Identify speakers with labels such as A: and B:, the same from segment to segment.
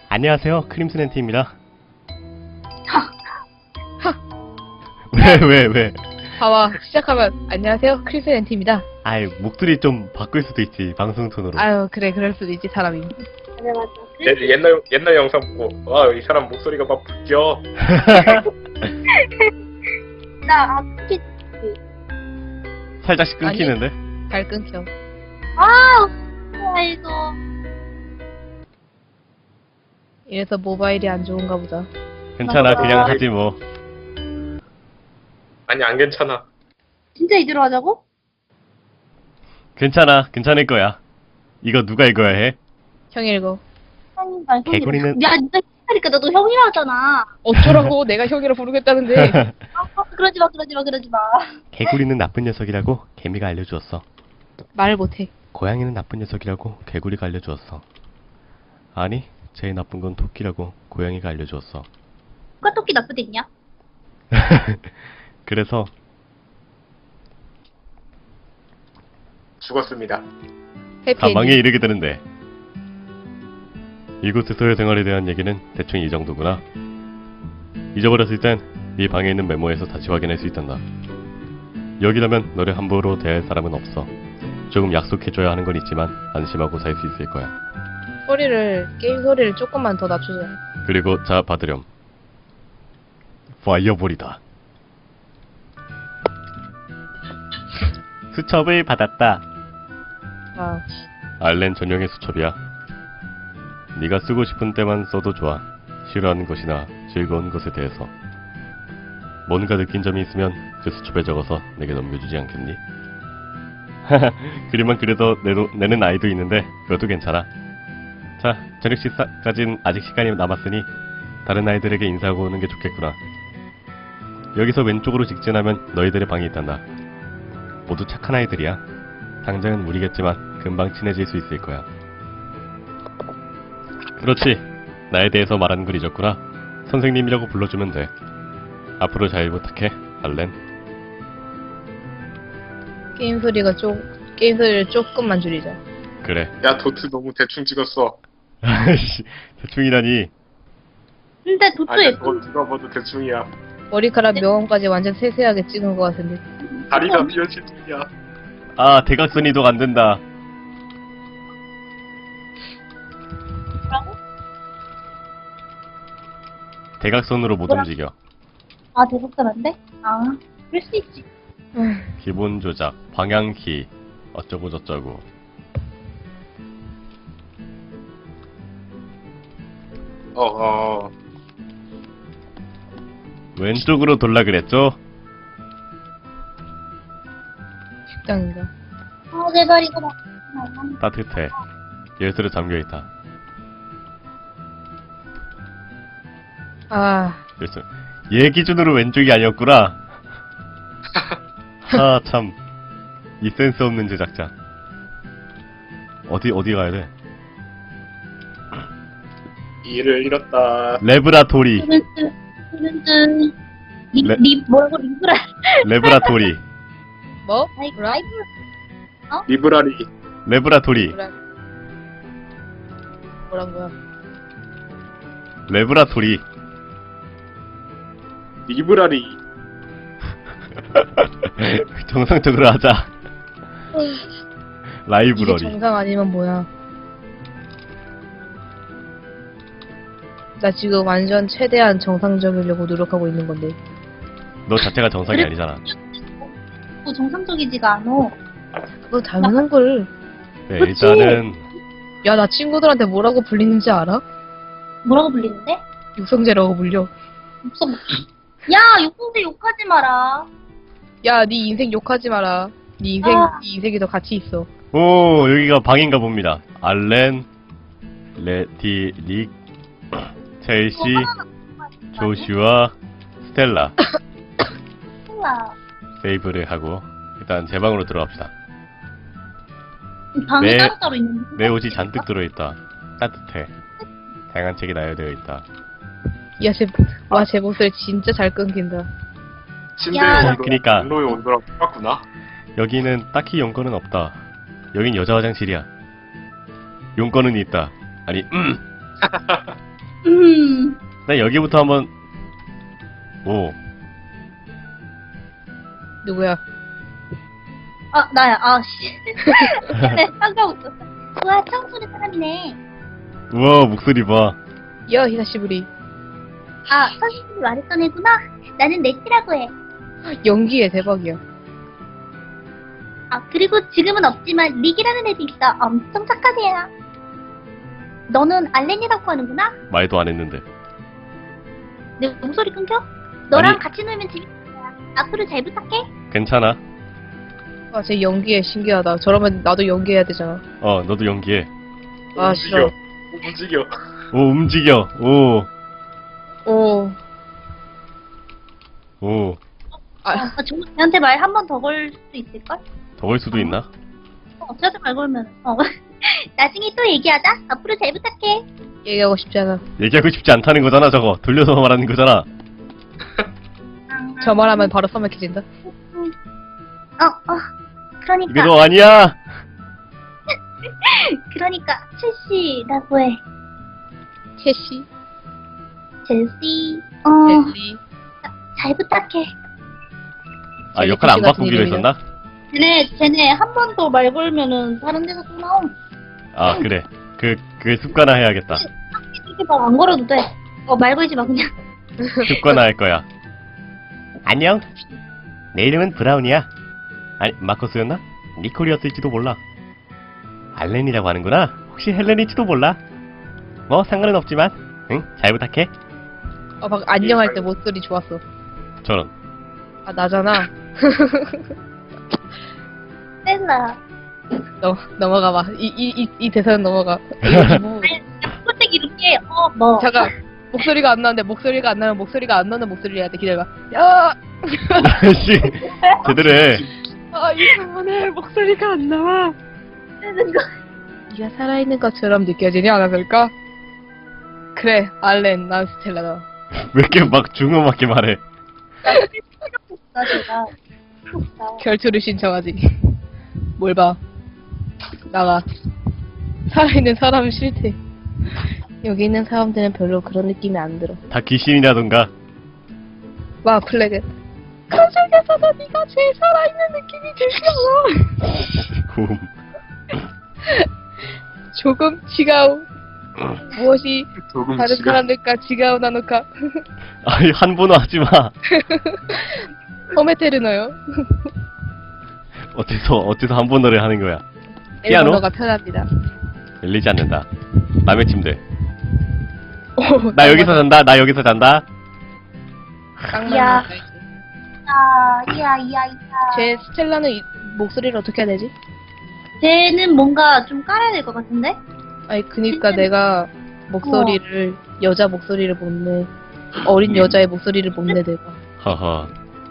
A: 안녕하세요, 크림슨 앤티입니다. 왜?
B: 봐봐, 시작하면 안녕하세요, 크리스 앤티입니다.
A: 아이, 목소리 좀 바꿀 수도 있지, 방송 톤으로.
B: 아유, 그래, 그럴 수도 있지, 사람이.
C: 맞아 맞아.
D: 옛날 영상 보고 이 사람 목소리가 막 바뀌어.
C: 나 특히
A: 살짝씩 끊기는데?
B: 잘 끊겨.
C: 아이고
B: 이래서 모바일이 안 좋은가 보다.
A: 괜찮아, 그냥 하지 뭐.
D: 아니 안 괜찮아.
C: 진짜 이대로 하자고?
A: 괜찮아, 괜찮을 거야. 이거 누가 읽어야 해?
B: 형 읽어.
C: 난
A: 개구리는-
C: 야 진짜 하니까 너도 형이라 하잖아.
B: 어쩌라고, 내가 형이라 부르겠다는데.
C: 그러지 마.
A: 개구리는 나쁜 녀석이라고 개미가 알려주었어.
B: 말 못해.
A: 고양이는 나쁜 녀석이라고 개구리가 알려주었어. 아니, 제일 나쁜 건 토끼라고 고양이가 알려주었어.
C: 누가 토끼 나쁘댔냐?
A: 그래서
D: 죽었습니다.
A: 사망에
B: 해피엔딩.
A: 이르게 되는데, 이곳에서의 생활에 대한 얘기는 대충 이 정도구나. 잊어버렸을 땐 네 방에 있는 메모에서 다시 확인할 수 있단다. 여기라면 너를 함부로 대할 사람은 없어. 조금 약속해줘야 하는 건 있지만 안심하고 살 수 있을 거야.
B: 게임 소리를 조금만 더 낮추자.
A: 그리고 자, 받으렴. 파이어볼이다. 수첩을 받았다.
B: 아,
A: 알렌 전용의 수첩이야. 네가 쓰고 싶은 때만 써도 좋아. 싫어하는 것이나 즐거운 것에 대해서 뭔가 느낀 점이 있으면 그 수첩에 적어서 내게 넘겨주지 않겠니? 그림만 그래도 내는 아이도 있는데 그것도 괜찮아. 자, 저녁 식사까진 아직 시간이 남았으니 다른 아이들에게 인사하고 오는 게 좋겠구나. 여기서 왼쪽으로 직진하면 너희들의 방이 있단다. 모두 착한 아이들이야. 당장은 무리겠지만 금방 친해질 수 있을 거야. 그렇지. 나에 대해서 말하는 걸 잊었구나. 선생님이라고 불러주면 돼. 앞으로 잘 부탁해, 알렌.
B: 게임 소리를 조금만 줄이자.
A: 그래.
D: 야 도트 너무 대충 찍었어.
A: 아이씨, 대충이라니.
C: 근데 도토
D: 아니
C: 예쁜
D: 그거 누가 봐도 대충이야.
B: 머리카락 명암까지 완전 세세하게 찍은 것 같은데.
D: 다리가 비어질 뿐이야.
A: 아, 대각선 이동 안 된다.
C: 거라고?
A: 대각선으로 못
C: 뭐라?
A: 움직여.
C: 아 대박사란데? 아 그럴 수 있지.
A: 기본 조작, 방향키, 어쩌고 저쩌고. 왼쪽으로 돌라 그랬죠?
B: 식당인가?
C: 제발 이거 봐.
A: 따뜻해. 열쇠로 잠겨있다.
B: 아,
A: 열쇠. 얘 기준으로 왼쪽이 아니었구나. 아, 참. 이 센스 없는 제작자. 어디 가야 돼?
D: 일을 잃었다.
A: 레브라토리.
C: 뚜른뚜
A: 레-
C: 뭐라고 리브라
A: 레브라토리.
B: 뭐?
C: 라이브
D: 리브라리.
A: 레브라토리.
B: 뭐란 거야?
A: 레브라토리.
D: 리브라리.
A: 정상적으로 하자.
B: 이게
A: 라이브러리.
B: 정상 아니면 뭐야? 나 지금 완전 최대한 정상적이려고 노력하고 있는 건데.
A: 너 자체가 정상이 아니잖아.
C: 뭐 정상적이지가 않어.
B: 그거 당연한 걸.
A: 네,
C: 그치?
A: 일단은
B: 야, 나 친구들한테 뭐라고 불리는지 알아?
C: 뭐라고 불리는데?
B: 육성재라고 불려.
C: 욕성 야 욕성대 욕하지 마라.
B: 야, 네 인생 욕하지 마라. 네 인생이 더 가치 있어.
A: 오, 여기가 방인가 봅니다. 알렌, 레티, 릭, 첼시, 조슈아, 스텔라.
C: 몰라.
A: 세이브를 하고 일단 제 방으로 들어갑시다.
C: 방이
A: 네.
C: 따로따로 있는데.
A: 내 옷이 잔뜩 들어있다. 따뜻해. 다양한 책이 나열되어 있다.
B: 야, 제 목소리 진짜 잘 끊긴다.
D: 침대의
C: 야.
D: 온도랑
A: 그니까.
D: 온로의 온도랑 똑같구나.
A: 여기는 딱히 용건은 없다. 여긴 여자 화장실이야. 용건은 있다. 아니, 나 여기부터 한번 오
B: 누구야?
C: 나야. 씨. 깜짝 웃었어. 우와, 처음 보는 사람이네.
A: 우와 목소리 봐.
B: 야, 히사시부리.
C: 선생님이 말했던 애구나. 나는 네티라고 해.
B: 연기에 대박이야.
C: 그리고 지금은 없지만 릭이라는 애도 있어. 엄청 착한 애야. 너는 알렌이라고 하는구나?
A: 말도 안 했는데.
C: 내 목소리 끊겨? 너랑
A: 아니.
C: 같이 놀면 재밌을 거야. 앞으로 잘 부탁해.
A: 괜찮아.
B: 쟤 연기에 신기하다. 저러면 나도 연기해야 되잖아.
A: 너도 연기해.
B: 싫어.
D: 움직여.
A: 오 움직여.
B: 오.
A: 오.
C: 정말 걔한테 말 한 번 더 걸 수 있을걸?
A: 더 걸 수도 있나?
C: 저한테 말 걸면. 나중에 또 얘기하자. 앞으로 잘 부탁해.
B: 얘기하고 싶지 않아.
A: 얘기하고 싶지 않다는 거잖아 저거. 돌려서 말하는 거잖아.
B: 저 말하면 바로 써먹혀진다.
C: 그러니까.
A: 이거 아니야.
C: 그러니까 첼시라고 해.
B: 캐시,
C: 첼시.
B: 델리.
C: 잘 부탁해.
A: 역할 안
B: 첼시 같은
A: 바꾸기로
B: 이름이다.
A: 했었나?
C: 쟤네 한 번 더 말 걸면은 다른 데서 또 나옴.
A: 그래. 그 습관화 해야겠다.
C: 이렇게 말 안 걸어도 돼. 말 걸지 마 그냥.
A: 습관화 할 거야. 안녕. 내 이름은 브라운이야. 아니 마커스였나? 니콜이었을지도 몰라. 알렌이라고 하는구나. 혹시 헬렌일지도 몰라. 뭐 상관은 없지만 응? 잘 부탁해.
B: 방금 안녕할 때 목소리 좋았어.
A: 저런.
B: 나잖아.
C: 셀라.
B: 넘어가봐. 이 대사는 넘어가.
C: 솔직히 이렇게 뭐.
B: 잠깐. 목소리가 안 나는데 목소리가 안 나면 목소리가 안 나는 목소리를 해야 돼. 기다려봐. 야!
A: 씨 제대로 해.
B: 이상하네. 목소리가 안 나와. 네가 살아있는 것처럼 느껴지니 않았을까? 그래, 알렌, 난 스텔라다.
A: 왜 이렇게 막 중음하게 말해.
C: 나 제가.
B: 결투를 신청하지. 뭘 봐. 나가. 살아있는 사람은 싫대. 여기 있는 사람들은 별로 그런 느낌이 안 들어.
A: 다 귀신이라던가.
B: 와, 플래그. 그 중에서도 네가 제일 살아있는 느낌이 들려. 조금 지가우. 무엇이
D: 조금
B: 다른
D: 지금
B: 사람들과 지가우 나노카.
A: 아니 한 번호 하지 마.
B: 호메테르노요.
A: 어째서 한 번호를 하는 거야. 피아노?
B: 일본어가 편합니다.
A: 열리지 않는다. 남의 침대. 나 여기서 잔다. 나 여기서 잔다.
C: 야. 이야.
B: 제 스텔라는 목소리를 어떻게 해야 되지?
C: 쟤는 뭔가 좀 깔아야 될 것 같은데?
B: 아니 그니까 내가 목소리를 여자 목소리를 못 내. 어린 여자의 목소리를 못 내 내가.
A: 허허.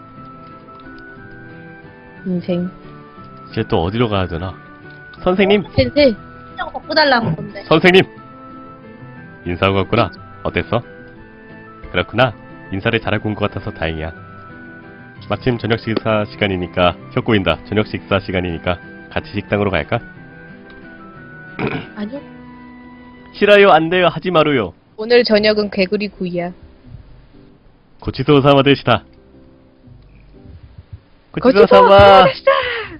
B: 인생.
A: 이제 또 어디로 가야 되나? 선생님.
B: 센세.
C: 그냥 바꿔달라는 건데.
A: 선생님. 인사하고 갔구나. 어땠어? 그렇구나. 인사를 잘하고 온 것 같아서 다행이야. 마침 저녁 식사 시간이니까 혀 꼬인다. 저녁 식사 시간이니까 같이 식당으로 갈까?
B: 아니요.
A: 싫어요. 안 돼요. 하지 마루요.
B: 오늘 저녁은 개구리 구이야.
A: 고치소 사마 되시다.
B: 고치소
A: 고치소 사마.
B: 되시다.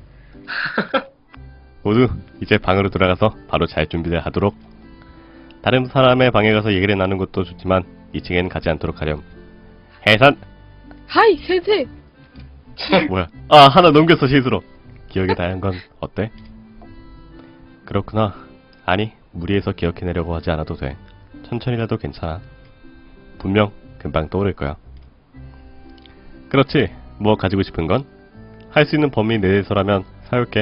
A: 모두 이제 방으로 돌아가서 바로 잘 준비를 하도록. 다른 사람의 방에 가서 얘기를 나누는 것도 좋지만 2층엔 가지 않도록 하렴. 해산.
B: 하이 센세.
A: 뭐야? 하나 넘겼어 실수로. 기억이 다양한 건 어때? 그렇구나. 아니 무리해서 기억해내려고 하지 않아도 돼. 천천히라도 괜찮아. 분명 금방 떠오를 거야. 그렇지. 뭐 가지고 싶은 건? 할 수 있는 범위 내에서라면 사올게.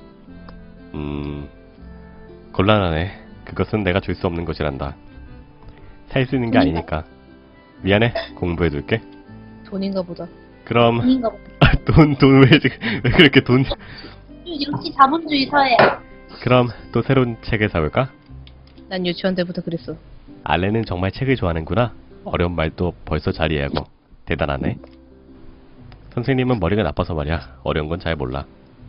A: 곤란하네. 그것은 내가 줄 수 없는 것이란다. 살 수 있는 게 아니니까. 미안해. 공부해둘게.
B: 돈인가 보다.
A: 그럼
C: 아닌가 봐.
A: 돈 왜 그렇게 돈?
C: 역시 자본주의 사회.
A: 그럼 또 새로운 책을 사올까?
B: 난 유치원 때부터 그랬어.
A: 알렌은 정말 책을 좋아하는구나. 어려운 말도 벌써 잘 이해하고. 대단하네. 선생님은 머리가 나빠서 말이야. 어려운 건 잘 몰라.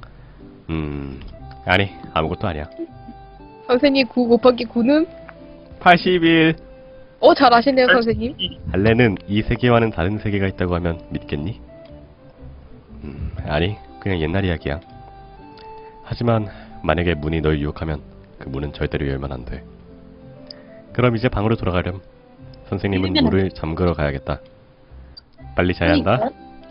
A: 아니 아무것도 아니야.
B: 선생님 9 곱하기 9는?
A: 81.
B: 잘 아시네요, 선생님.
A: 알렌은 이 세계와는 다른 세계가 있다고 하면 믿겠니? 아니, 그냥 옛날 이야기야. 하지만 만약에 문이 널 유혹하면 그 문은 절대로 열면 안 돼. 그럼 이제 방으로 돌아가렴. 선생님은
C: 열면 안
A: 물을 잠그러 가야겠다. 빨리 자야 한다.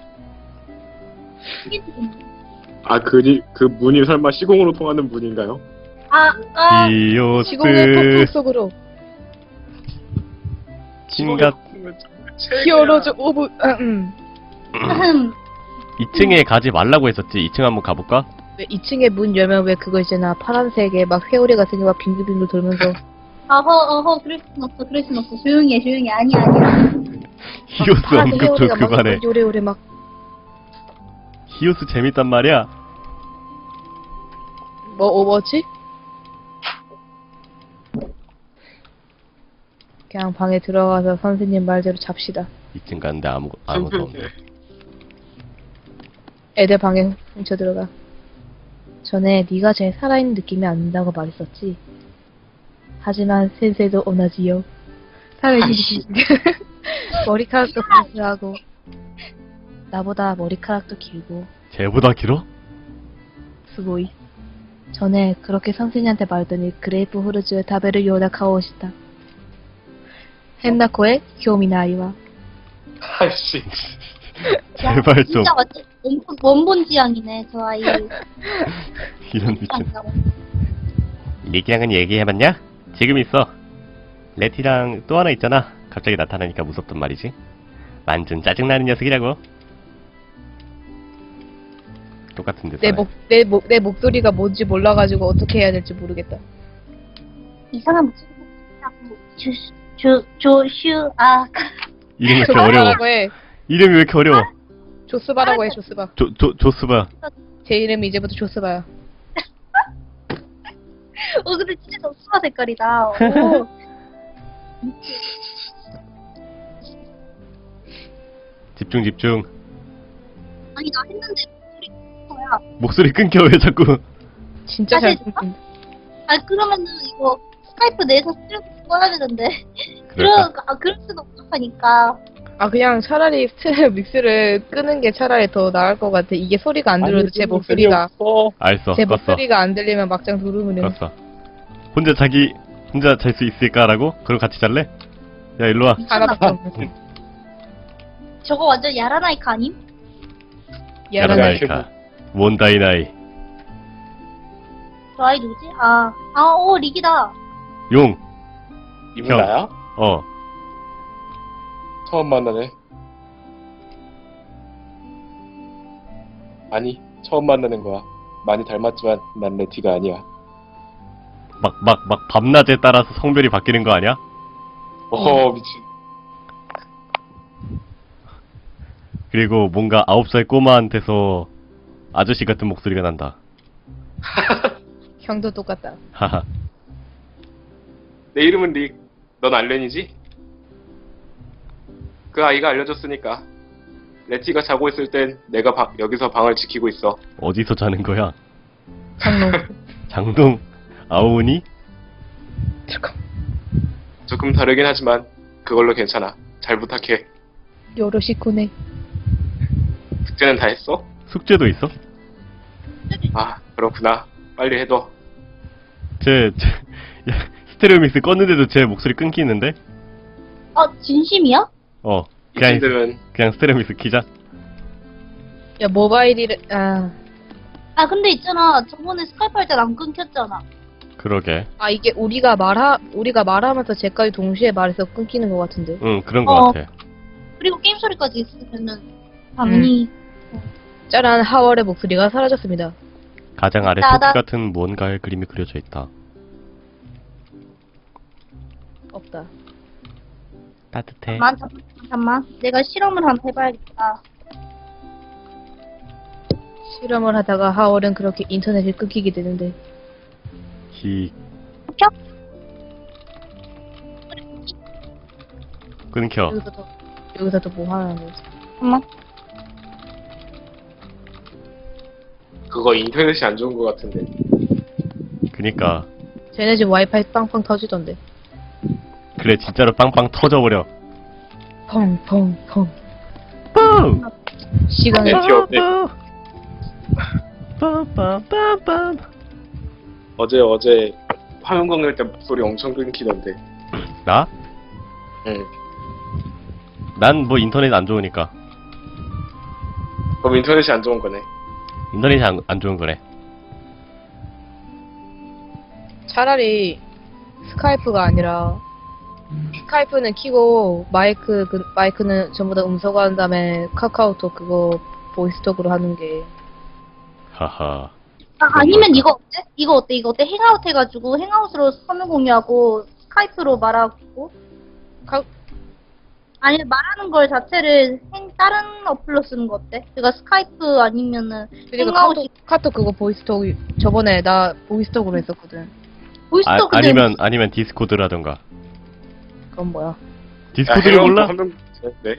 D: 아, 그 문이 설마 시공으로 통하는 문인가요?
A: 히오스
B: 시공의 폭풍 속으로
A: 신갓
B: 히어로즈 오브
A: 2층에 가지 말라고 했었지. 2층 한번 가볼까?
B: 왜 2층에 문 열면 왜 그거 있잖아, 파란색에 막 회오리 같은 게 막 빙글빙글 돌면서.
C: 그럴 순 없어. 조용히 해. 아니야.
A: 히오스
B: 파란색
A: 언급도
B: 회오리가 막
A: 그만해.
B: 요래요래 막.
A: 히오스 재밌단 말이야.
B: 뭐지? 그냥 방에 들어가서 선생님 말대로 잡시다.
A: 2층 가는데 아무도 없네.
B: 애들 방에 훔쳐 들어가. 전에 네가 제일 살아있는 느낌이 안 든다고 말했었지. 하지만 센세도 오나지요. 살아있는 머리카락도 분수하고 나보다 머리카락도 길고
A: 쟤보다 길어?
B: 스고이. 전에 그렇게 선생님한테 말더니 그레이프 후르즈의 다베를 요다 카오시다. 헨나코의 교미나이와.
D: 아이씨.
A: 제발 좀.
C: 진짜 맞지? 원본 지향이네, 저 아이.
A: 이런 미친. 리기랑은 얘기해봤냐? 지금 있어. 레티랑 또 하나 있잖아. 갑자기 나타나니까 무섭단 말이지. 완전 짜증나는 녀석이라고. 똑같은 데서.
B: 내 목소리가 뭔지 몰라가지고 어떻게 해야 될지 모르겠다.
C: 이상한 목소리.
A: 이름이 왜 이렇게 어려워?
B: 조스바라고 해.
A: 이름이 왜 이렇게 어려워?
B: 조스바라고 해, 조스바.
A: 조스바.
B: 제 이름이 이제부터 조스바야.
C: 근데 진짜 적수가 색깔이다. 오.
A: 집중.
C: 아니, 나 했는데 목소리 뭐야?
A: 목소리 끊겨 왜 자꾸?
B: 진짜 잘
C: 진짜?
B: 듣는다.
C: 그러면은 이거 스카이프 내에서 스트레스 꺼야 되는데.
A: 그럴까?
C: 그럴 수도 없으니까.
B: 그냥 차라리 스테레오 믹스를 끄는 게 차라리 더 나을 것 같아. 이게 소리가 안 들려도 제 목소리가
A: 알았어.
B: 제
A: 껐어.
B: 목소리가 안 들리면 막장 두루무는.
A: 껐어. 혼자 잘 수 있을까라고? 그럼 같이 잘래? 야 일로 와.
B: 하나밖에 없는.
C: 저거 완전 야라나이카 아님?
A: 야라나이카. 몬다이나이.
C: 저 아이 누구지? 리기다.
A: 용.
D: 이분
A: 형.
D: 나야? 처음 만나네. 아니, 처음 만나는 거야. 많이 닮았지만 난 레티가 아니야.
A: 막 밤낮에 따라서 성별이 바뀌는 거 아니야?
D: 미친.
A: 그리고 뭔가 9살 꼬마한테서 아저씨 같은 목소리가 난다.
B: 형도 똑같다.
A: 하하.
D: 내 이름은 릭. 넌 알렌이지? 그 아이가 알려줬으니까. 레티가 자고 있을 땐 내가 여기서 방을 지키고 있어.
A: 어디서 자는 거야?
B: 장롱.
A: 장동 아오니?
B: 잠깐.
D: 조금 다르긴 하지만 그걸로 괜찮아. 잘 부탁해.
B: 요로시코네.
D: 숙제는 다 했어?
A: 숙제도 있어?
D: 그렇구나. 빨리 해둬.
A: 야, 스테레오 믹스 껐는데도 제 목소리 끊기는데?
C: 진심이야?
A: 그냥
D: 이분들은
A: 스테레오 믹스 키자.
B: 야, 모바일이를,
C: 근데 있잖아. 저번에 스카이프 할 때 안 끊겼잖아.
A: 그러게.
B: 이게 우리가 말하면서 쟤까지 동시에 말해서 끊기는 것 같은데.
A: 응, 그런 거 같아.
C: 그리고 게임 소리까지 있으면은 당연히
B: 짜란, 하월의 목소리가 사라졌습니다.
A: 가장 아래
C: 나다.
A: 토끼 같은 무언가의 그림이 그려져 있다.
B: 없다.
A: 따뜻해.
C: 잠깐만. 내가 실험을 한번 해봐야겠다.
B: 실험을 하다가 하월은 그렇게 인터넷이 끊기게 되는데.
A: 끊겨.
B: 여기서 또 뭐 하는 거지?
C: 잠깐만.
D: 그거 인터넷이 안 좋은 것 같은데.
A: 그니까
B: 쟤네 집 와이파이 빵빵 터지던데.
A: 그래 진짜로 빵빵 터져버려.
B: 펑펑펑.
A: 뿡!
B: 시간을
D: 네, 귀엽네.
A: 빰빰빰빰.
D: 어제 화면 건널 때 목소리 엄청 끊기던데.
A: 나?
D: 응.
A: 난 뭐 인터넷 안 좋으니까.
D: 그럼 인터넷이 안 좋은 거네.
A: 인터넷이 안 좋은 거래.
B: 차라리 스카이프가 아니라 스카이프는 키고 마이크는 전부 다 음소거 한 다음에 카카오톡 그거 보이스톡으로 하는 게
A: 하하.
C: 아니면 이거 어때? 이거 어때? 행아웃 해가지고 행아웃으로 화면 공유하고 스카이프로 말하고 아니면 말하는 걸 자체를 다른 어플로 쓰는 거 어때? 그러니까 스카이프 아니면은
B: 그러니까
C: 행아웃
B: 카톡 그거 보이스톡 저번에 나 보이스톡으로 했었거든.
C: 보이스톡 근데
A: 아니면 디스코드라던가.
B: 그건 뭐야?
A: 디스코드를 몰라?
D: 네.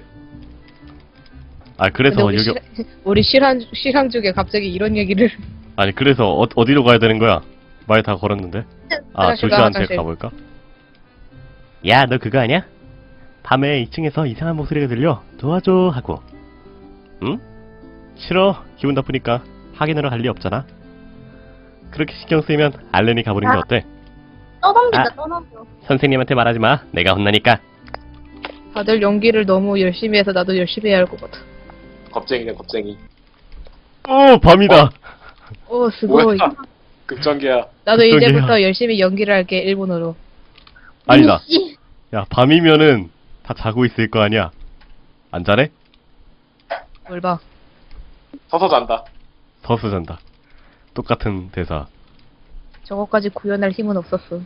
A: 아 그래서
B: 근데
A: 여기
B: 우리 실황 중에 갑자기 이런 얘기를
A: 아니 그래서 어디로 가야 되는 거야? 말 다 걸었는데. 아
B: 화장실
A: 조슈한테
B: 화장실.
A: 가볼까? 야 너 그거 아니야? 밤에 2층에서 이상한 목소리가 들려 도와줘 하고. 응? 싫어. 기분 나쁘니까 확인하러 갈 리 없잖아. 그렇게 신경 쓰이면 알렌이 가보는 게 어때?
C: 떠넘긴다 떠넘겨.
A: 선생님한테 말하지 마. 내가 혼나니까.
B: 다들 연기를 너무 열심히 해서 나도 열심히 해야 할 것 같아.
D: 겁쟁이네 겁쟁이.
A: 오 밤이다.
B: 오 스고이.
D: 뭐야? 급전기야.
B: 나도
A: 극적이야.
B: 이제부터 열심히 연기를 할게 일본어로.
A: 아니다.
C: 씨.
A: 야 밤이면은 다 자고 있을 거 아니야. 안 자래?
B: 뭘 봐.
D: 서서 잔다.
A: 서서 잔다. 똑같은 대사.
B: 저거까지 구현할 힘은 없었어.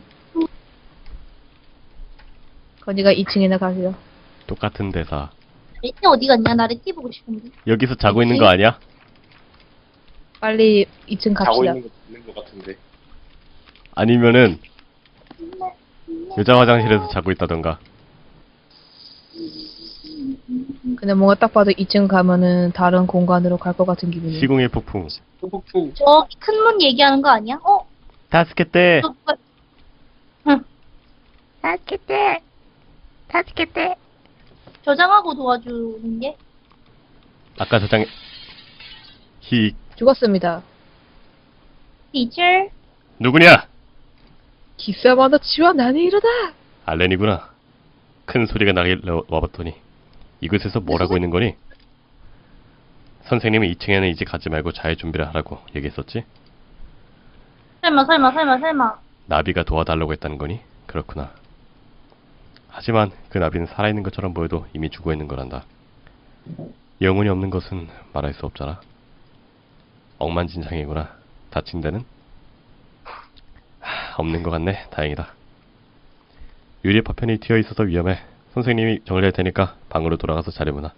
B: 건이가 2층이나 가세요.
A: 똑같은 대사.
C: 레티 어디 갔냐? 나 레티 보고 싶은데.
A: 여기서 자고 있는 거 아니야?
B: 빨리 2층
D: 자고
B: 갑시다.
D: 있는 거 같은데.
A: 아니면은 여자 화장실에서 자고 있다던가.
B: 근데 뭔가 딱 봐도 2층 가면은 다른 공간으로 갈 것 같은 기분이.
A: 시공의 폭풍.
D: 폭풍.
C: 저기 큰 문 얘기하는 거 아니야?
A: 다스케테.
C: 저 누가 다스케테 저장하고 도와주는 게?
A: 아까 저장 히
B: 죽었습니다.
C: 티처
A: 누구냐?
B: 기사마다 치와 나는 이러다.
A: 알렌이구나. 큰 소리가 나길 와봤더니 이곳에서 뭘 하고 있는 거니? 선생님은 2층에는 이제 가지 말고 잘 준비를 하라고 얘기했었지?
C: 설마
A: 나비가 도와달라고 했다는 거니? 그렇구나. 하지만 그 나비는 살아있는 것처럼 보여도 이미 죽어있는 거란다. 영혼이 없는 것은 말할 수 없잖아. 억만진창이구나. 다친 데는? 없는 것 같네. 다행이다. 유리 파편이 튀어 있어서 위험해. 선생님이 정리할 테니까 방으로 돌아가서 자려보나.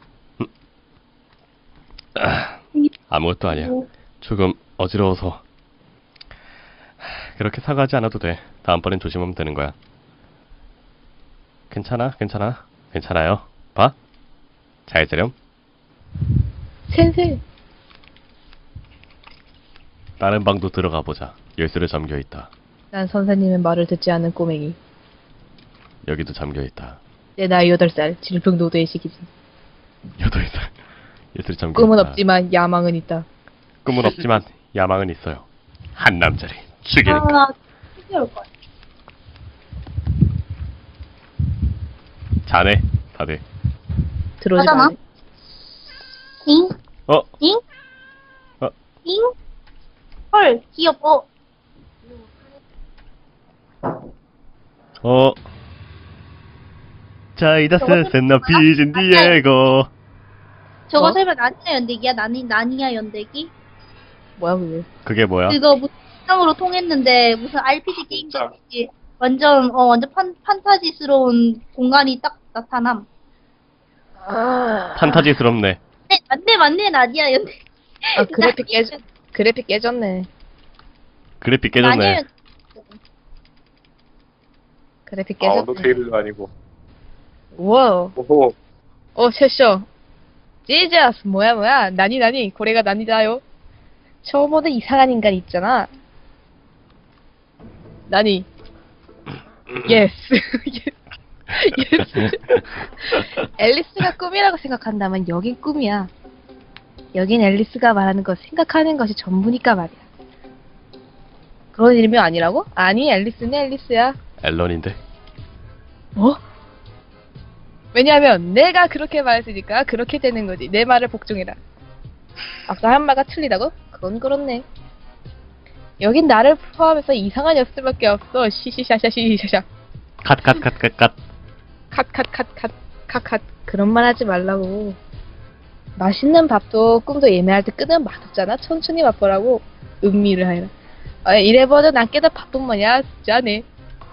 A: 아무것도 아니야. 조금 어지러워서. 그렇게 사과하지 않아도 돼. 다음번엔 조심하면 되는 거야. 괜찮아요. 봐. 잘 자렴.
B: 센세.
A: 다른 방도 들어가 보자. 열쇠로 잠겨 있다.
B: 난 선생님의 말을 듣지 않는 꼬맹이.
A: 여기도 잠겨 있다.
B: 내 나이 8살. 질풍노도의 시기지.
A: 8살. 열쇠로 잠겨
B: 꿈은
A: 있다.
B: 없지만 야망은 있다.
A: 꿈은 없지만 야망은 있어요. 한 남자를 죽이니까.
C: 아, 올 거야.
A: 자네, 다들.
B: 들어오지
C: 하잖아.
B: 마.
C: 잉?
A: 어?
C: 잉?
A: 어?
C: 잉? 헐, 귀엽어.
A: 자이다스
C: 저거
A: 센나 비진 디에고.
C: 저거
B: 어?
C: 설마 나니야 연대기야? 나니야 연대기?
B: 뭐야 그게?
A: 그게 뭐야?
C: 그거 무슨 영상으로 통했는데 무슨 RPG 게임
D: 진짜.
C: 같이 완전 판타지스러운 공간이 딱 나타남.
A: 판타지스럽네.
C: 맞네 나니야 연대.
B: 아 그래픽 깨졌네.
A: 그래픽
C: 나니야
A: 깨졌네.
C: 연대기.
B: 그래픽
D: 아
B: 깨졌네.
D: 언더테일도 아니고.
B: 우와.
D: 오호.
B: 셔쇼. 지저스 뭐야 나니 고래가 나니다요. 처음 보는 이상한 인간 있잖아. 나니. 예스. 앨리스가 꿈이라고 생각한다면 여긴 꿈이야. 여긴 앨리스가 말하는 것 생각하는 것이 전부니까 말이야. 그런 일명 아니라고? 아니, 앨리스는 앨리스야.
A: 앨런인데.
B: 뭐? 왜냐하면 내가 그렇게 말했으니까 그렇게 되는 거지. 내 말을 복종해라. 아까 한 말가 틀리다고? 그건 그렇네. 여긴 나를 포함해서 이상한 녀석들밖에 없어. 시시샤샤시시샤샤.
A: 컷.
B: 컷. 그런 말 하지 말라고. 맛있는 밥도 꿈도 예매할 때 끄면 맛없잖아. 천천히 맛보라고. 음미를 하라. 아, 이래버려 난 깨다 바쁜 뭐냐. 짜네.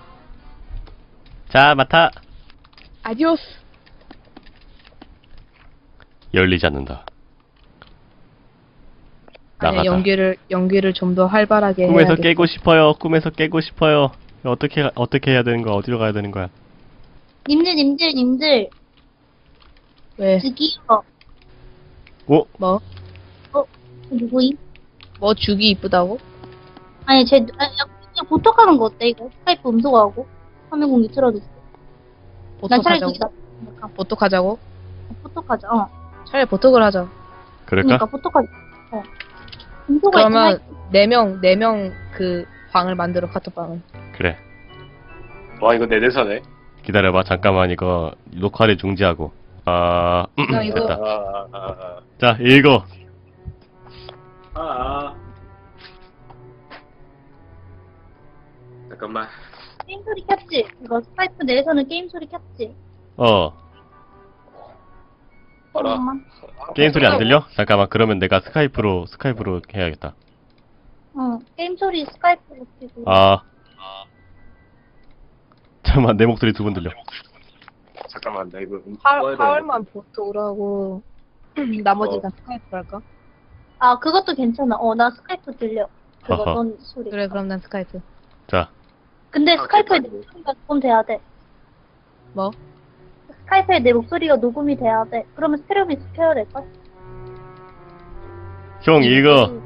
A: 자, 맡아.
B: 아디오스.
A: 열리지 않는다.
B: 아니,
A: 나가자.
B: 연기를 좀 더 활발하게
A: 꿈에서
B: 해야겠어.
A: 깨고 싶어요. 꿈에서 깨고 싶어요. 어떻게 해야 되는 거야? 어디로 가야 되는 거야?
C: 님들,
B: 왜?
C: 저기요.
A: 오,
B: 뭐?
C: 누구임?
B: 뭐 죽이 이쁘다고?
C: 아니, 그냥 보톡하는 거 어때, 이거? 스카이프 음소거하고? 화면 공유 틀어줬어. 난 차라리 저기
B: 보톡하자고?
C: 나
B: 보톡하자고?
C: 보톡하자,
B: 차라리 보톡을 하자.
A: 그럴까?
C: 그러니까 보톡하자. 음소거
B: 그러면 4명 그 방을 만들어, 카톡방을.
A: 그래.
D: 와, 이거 내 대사네.
A: 기다려봐. 잠깐만 이거 녹화를 중지하고.
B: 나 이거-
A: 됐다. 자, 읽어.
D: 잠깐만.
C: 게임 소리 켰지? 이거 스카이프 내에서는 게임 소리 켰지?
D: 알아.
C: 잠깐만.
A: 게임 소리 안 들려? 잠깐만. 그러면 내가 스카이프로 해야겠다.
C: 게임 소리 스카이프로 켜고.
A: 잠깐만. 내 목소리 2번 들려.
D: 잠깐만, 나 이거
B: 파월만 보톡을 하고 나머지 다 스카이프로 할까?
C: 아, 그것도 괜찮아. 나 스카이프 들려. 그거
A: 허허.
C: 넌 소리.
B: 그래, 그럼 난 스카이프.
A: 자,
C: 근데 스카이프에 내
D: 괜찮네.
C: 목소리가 녹음돼야 돼.
B: 뭐?
C: 스카이프에 내 목소리가 녹음이 돼야 돼. 그러면 스테레오 믹스 켜야 될걸?
A: 형 읽어.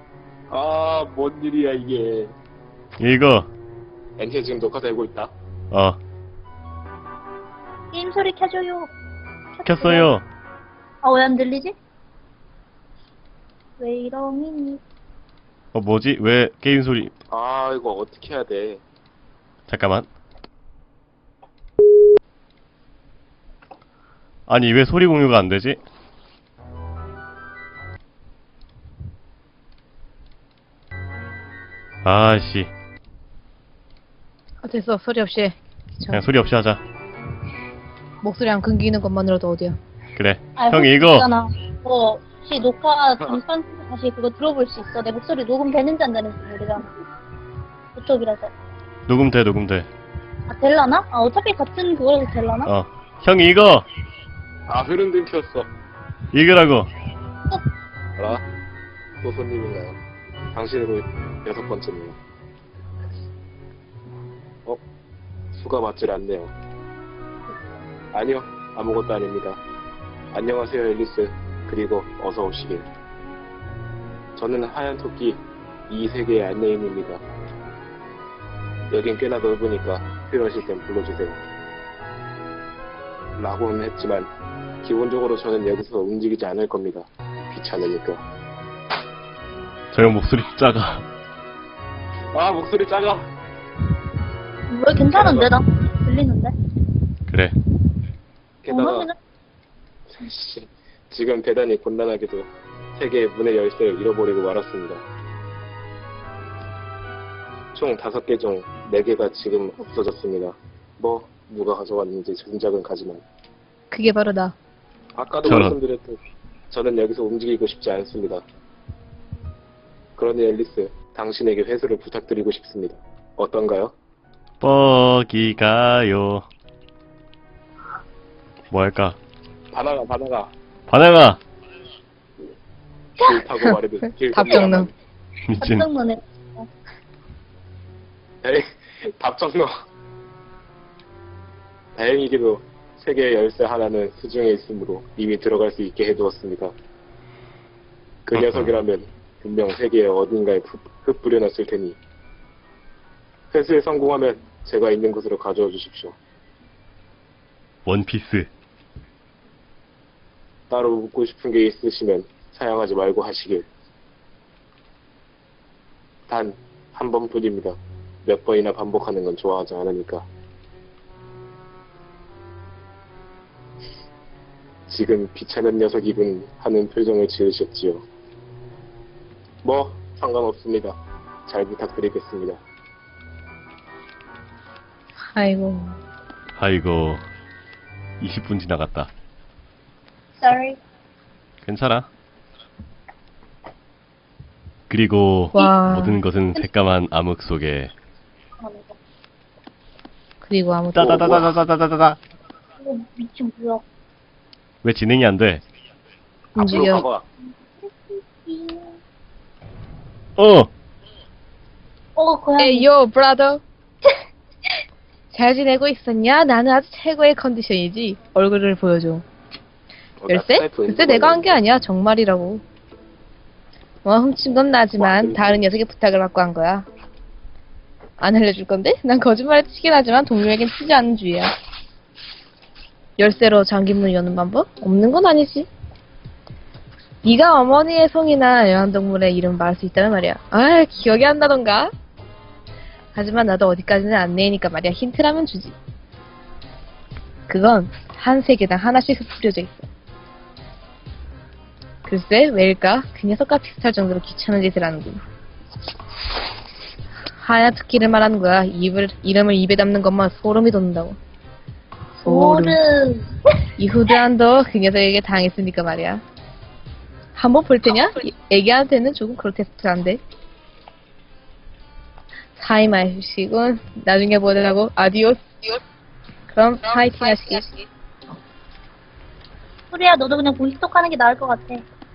D: 뭔 일이야, 이게.
A: 읽어.
D: 엔체 지금 녹화되고 있다.
C: 게임 소리 켜줘요.
A: 켰어요.
C: 왜 안 들리지? 왜 이러니?
A: 뭐지? 왜 게임 소리?
D: 이거 어떻게 해야 돼?
A: 잠깐만. 아니, 왜 소리 공유가 안 되지? 아씨.
B: 됐어, 소리 없이 해.
A: 그냥 소리 없이 하자.
B: 목소리 안 끊기는 것만으로도 어디야.
A: 그래.
C: 아,
A: 형 읽어.
C: 있잖아. 혹시 녹화 잠깐 다시 그거 들어볼 수 있어? 내 목소리 녹음되는지 안 되는지 모르잖아. 그쪽이라서.
A: 녹음돼.
C: 될라나? 어차피 같은 그거라서 될라나?
A: 형 읽어.
D: 흐름 끊겼어.
A: 읽으라고.
D: 알아? 또 손님인가요? 당신으로 6번째네요. 수가 맞질 않네요. 아니요, 아무것도 아닙니다. 안녕하세요, 앨리스. 그리고 어서 오시길. 저는 하얀 토끼 이 세계의 안내인입니다. 여긴 꽤나 넓으니까 필요하실 땐 불러주세요. 라고는 했지만 기본적으로 저는 여기서 움직이지 않을 겁니다. 귀찮으니까.
A: 저 형 목소리 작아.
D: 목소리 작아.
C: 왜 괜찮은데? 나 들리는데?
A: 그래.
D: 게다가
C: 그냥
D: 지금 대단히 곤란하게도 세계의 문의 열쇠를 잃어버리고 말았습니다. 총 5개 중 4개가 지금 없어졌습니다. 누가 가져왔는지 짐작은 가지만
B: 그게 바로 나.
D: 아까도
A: 저런.
D: 말씀드렸듯 저는 여기서 움직이고 싶지 않습니다. 그러니 앨리스, 당신에게 회수를 부탁드리고 싶습니다. 어떤가요?
A: 뻐기가요. 뭐 할까?
D: 바나나.
A: 바나나.
D: 길 타고 말해도 길
B: 답정너.
A: 미친.
C: 깜짝 놀래.
D: 에이, 답정너. 다행히게도 세계의 열쇠 하나는 수중에 있으므로 이미 들어갈 수 있게 해두었습니다. 그 녀석이라면 분명 세계의 어딘가에 흩뿌려놨을 테니 회수에 성공하면 제가 있는 곳으로 가져와 주십시오.
A: 원피스.
D: 따로 묻고 싶은 게 있으시면 사양하지 말고 하시길. 단 한 번뿐입니다. 몇 번이나 반복하는 건 좋아하지 않으니까. 지금 귀찮은 녀석이군 하는 표정을 지으셨지요. 뭐 상관없습니다. 잘 부탁드리겠습니다.
B: 아이고.
A: 아이고 20분 지나갔다.
C: Sorry.
A: 괜찮아. 그리고
B: 와.
A: 모든 것은 새까만 암흑 속에
B: 그리고 아무튼
A: 따다다다다다다다.
C: 이거 미친 뭐야?
A: 왜 진행이 안 돼?
D: 앞으로
B: 움직여.
D: 가봐.
C: 고양이.
B: 에이요, 브라더. 잘 지내고 있었냐? 나는 아주 최고의 컨디션이지. 얼굴을 보여줘. 열쇠? 글쎄 내가 한 게 아니야. 정말이라고. 훔친 건 나지만 다른 녀석의 부탁을 받고 한 거야. 안 알려줄 건데? 난 거짓말에 치긴 하지만 동료에겐 치지 않는 주의야. 열쇠로 잠긴 문 여는 방법? 없는 건 아니지. 네가 어머니의 송이나 애완동물의 이름 말할 수 있다는 말이야. 아, 기억이 안 나던가? 하지만 나도 어디까지는 안내니까 말이야. 힌트라면 주지. 그건 한 세계당 하나씩 흩뿌려져 있어. 글쎄, 왜일까? 그 녀석과 비슷할 정도로 귀찮은 짓을 하는군. 하얀 토끼를 말하는 거야. 이름을 입에 담는 것만 소름이 돋는다고.
C: 소름.
B: 이후드안도 그 녀석에게 당했으니까 말이야. 한번 볼 테냐? 애기한테는 조금 그로테스크한데. 사이 마시군. 나중에 보자고. 아디오스. 그럼 파이팅 하시기.
C: 소리야, 너도 그냥 보이스톡 하는 게 나을 것 같아.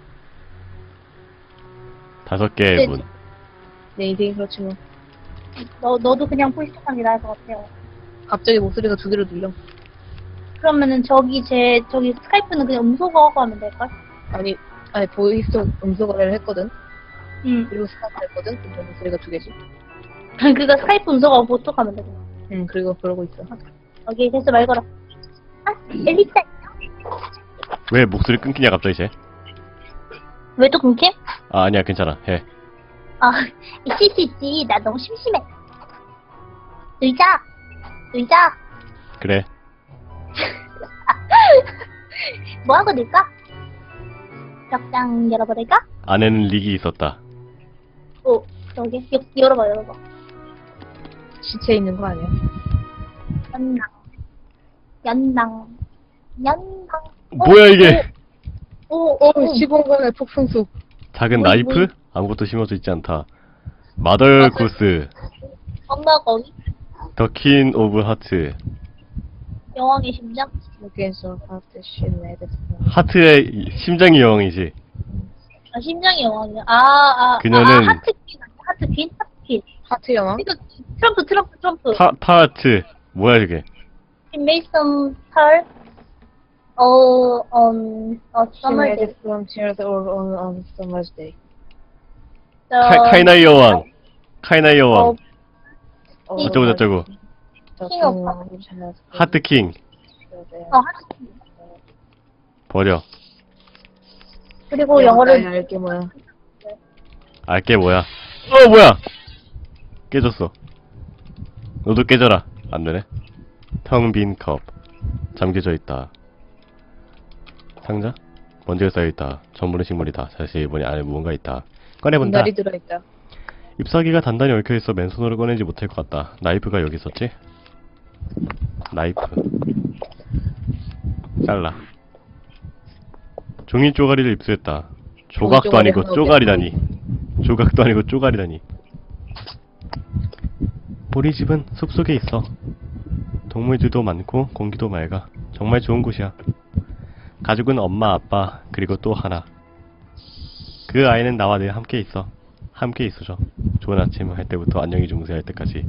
A: 5개의 문.
B: 내 인생이 그렇지 뭐.
C: 너도 그냥 보이스톡 하는 게 나을 것 같아요.
B: 갑자기 목소리가 2개로 들려.
C: 그러면은 저기 스카이프는 그냥 음소거 하고 하면 될걸?
B: 아니 보이스톡 음소 거래를 했거든.
C: 응.
B: 그리고 스카이프 했거든. 근데 목소리가 2개지.
C: 그니까 스카이프 음소거 보톡 하면 되잖아.
B: 응, 그리고 그러고 있어.
C: 여기 됐어, 말 걸어. 아, 엘리타.
A: 왜 목소리 끊기냐 갑자기 쟤?
C: 왜 또 끊김?
A: 아 아니야 괜찮아 해.
C: 아, 있을 수 있지. 나 너무 심심해. 놀자.
A: 그래.
C: 뭐 하고 놀까? 벽장 열어버릴까?
A: 안에는 릭이 있었다.
C: 저기 열어봐.
B: 시체 있는 거 아니야?
C: 연낭.
A: 뭐야 이게?
B: 시공간의 폭풍수.
A: 작은
C: 뭐이,
A: 나이프?
C: 뭐이.
A: 아무것도 심어져 있지 않다. 마더 구스,
C: 엄마 거기
A: 더 퀸 오브 하트.
C: 여왕의 심장?
B: Against all of the shit made it.
A: 하트의 심장이 여왕이지.
C: 아, 심장이 여왕이야.
A: 그녀는-
C: 하트퀸.
B: 하트 영화?
C: 이거 트럼프.
A: 타하트. 뭐야 이게?
C: He made some pearl. On a
B: She
C: summer
B: made
C: day.
B: it from tears or on summer's day.
A: 카이나이 여왕. 카이나이 여왕.
C: 어,
A: 어쩌고 저쩌고.
C: 킹 오빠.
A: 하트 킹.
C: 하트퀸.
A: 버려.
C: 그리고 영어를
B: 알게 뭐야?
A: 알게 뭐야? 뭐야? 깨졌어. 너도 깨져라. 안 되네. 텅 빈 컵. 잠겨져 있다. 상자? 먼지가 쌓여있다. 전부는 식물이다. 자세히 보니 안에 무언가 있다. 꺼내본다.
B: 분갈이 들어있다.
A: 잎사귀가 단단히 얽혀있어 맨손으로 꺼내지 못할 것 같다. 나이프가 여기 있었지? 나이프. 잘라. 종이 쪼가리를 입수했다. 조각도
B: 종이
A: 아니고
B: 쪼가리
A: 쪼가리다니. 조각도 아니고 쪼가리다니. 우리 집은 숲속에 있어. 동물들도 많고 공기도 맑아. 정말 좋은 곳이야. 가족은 엄마, 아빠, 그리고 또 하나. 그 아이는 나와 늘 함께 있어. 함께 있어줘. 좋은 아침 할 때부터 안녕히 주무세요 할 때까지.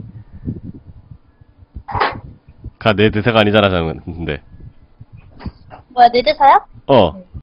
A: 내 대사가 아니잖아, 근데.
C: 뭐야, 내 대사야?
A: 어.